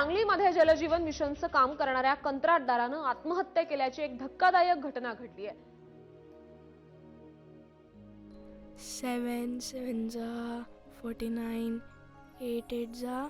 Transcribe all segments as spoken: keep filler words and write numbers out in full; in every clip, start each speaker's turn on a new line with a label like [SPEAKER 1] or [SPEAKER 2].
[SPEAKER 1] सांगलीमध्ये जलजीवन मिशनचं काम करणाऱ्या कंत्राटदारानं आत्महत्या केल्याची एक धक्कादायक घटना घडली आहे.
[SPEAKER 2] सेवन सेवन जा फोर्टी नाईन एट एट जा.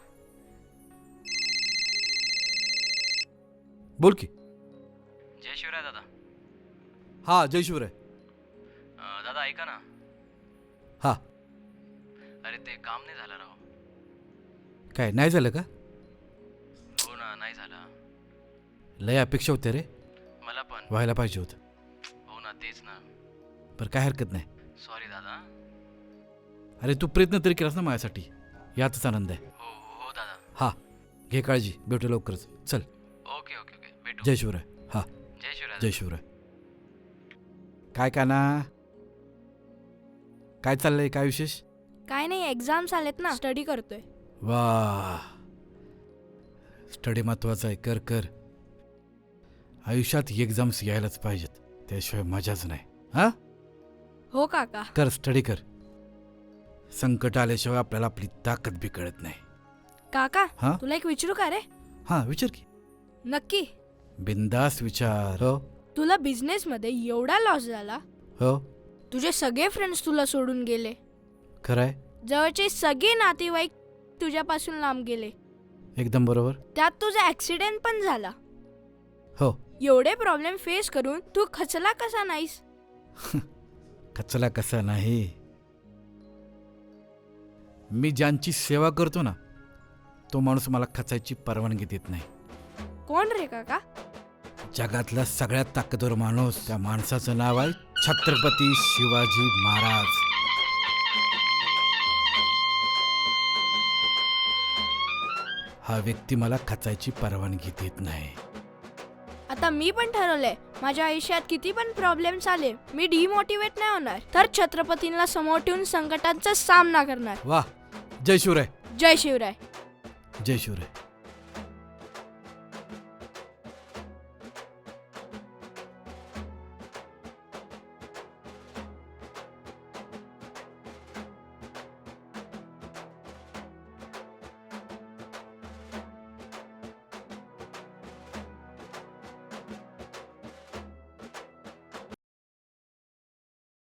[SPEAKER 3] बोल की.
[SPEAKER 4] जय शिवराय दादा.
[SPEAKER 3] हा जय शिवराय.
[SPEAKER 4] अं, दादा ऐका ना.
[SPEAKER 3] हा
[SPEAKER 4] अरे ते काम नाही झालं राव.
[SPEAKER 3] काय नाही झालं का?
[SPEAKER 4] हो ना, नाही झालं.
[SPEAKER 3] लय अपेक्षा होते रे,
[SPEAKER 4] मला पण.
[SPEAKER 3] व्हायला पाहिजे होतं.
[SPEAKER 4] हो ना, तेच ना.
[SPEAKER 3] बरं काय हरकत नाही.
[SPEAKER 4] सॉरी दादा.
[SPEAKER 3] अरे तू प्रयत्न तरी केलास ना माझ्यासाठी, यातच आनंद आहे.
[SPEAKER 4] हो हो दादा.
[SPEAKER 3] हा घे काळजी, भेटू लवकरच. चल.
[SPEAKER 4] ओके ओके ओके भेटू.
[SPEAKER 3] जय शिवराय. हा
[SPEAKER 4] जय शिवराय.
[SPEAKER 3] जय शिवराय. काय काना, काय चाललंय, काय विशेष?
[SPEAKER 2] काय नाही, एक्झाम्स आलेत ना, स्टडी करतोय.
[SPEAKER 3] वा, स्टडी महत्वाचा आहे. कर कर. आयुष्यात एक्झाम्स यायलाच पाहिजेत, त्याशिवाय मजाच नाही. हा
[SPEAKER 2] हो काका.
[SPEAKER 3] कर, स्टडी कर. संकट आल्याशिवाय आपल्याला आपली ताकद बी कळत नाही.
[SPEAKER 2] काका
[SPEAKER 3] हा
[SPEAKER 2] तुला एक विचारू का रे?
[SPEAKER 3] हा विचार की.
[SPEAKER 2] नक्की.
[SPEAKER 3] बिंदास विचार. हो
[SPEAKER 2] तुला बिझनेस मध्ये एवढा लॉस झाला,
[SPEAKER 3] हो
[SPEAKER 2] तुझे सगळे फ्रेंड्स तुला सोडून गेले,
[SPEAKER 3] खरंय,
[SPEAKER 2] जवळचे सगळे नातेवाईक तुझ्यापासून लांब गेले,
[SPEAKER 3] एकदम बरोबर.
[SPEAKER 2] त्यात तुझा ऍक्सिडेंट पण झाला.
[SPEAKER 3] हो.
[SPEAKER 2] एवढे प्रॉब्लेम फेस करून तू खचला कसा नाहीस?
[SPEAKER 3] खचला कसा नाही. मी ज्यांची सेवा करतो ना, तो माणूस मला खचायची परवानगी देत नाही.
[SPEAKER 2] कोण रे काका?
[SPEAKER 3] जगातला सगळ्यात ताकदवर माणूस, त्या माणसाचं नाव आहे छत्रपती शिवाजी महाराज. हा व्यक्ती मला खचायची परवानगी देत नाही.
[SPEAKER 2] आता मी पण ठरवलंय, माझ्या आयुष्यात किती पण प्रॉब्लेम्स आले, मी डिमोटिवेट नाही होणार, तर छत्रपतींना समोर ठेवून संकटांचा सामना करणार.
[SPEAKER 3] वा, जय शिवराय.
[SPEAKER 2] जय शिवराय.
[SPEAKER 3] जय शिवराय.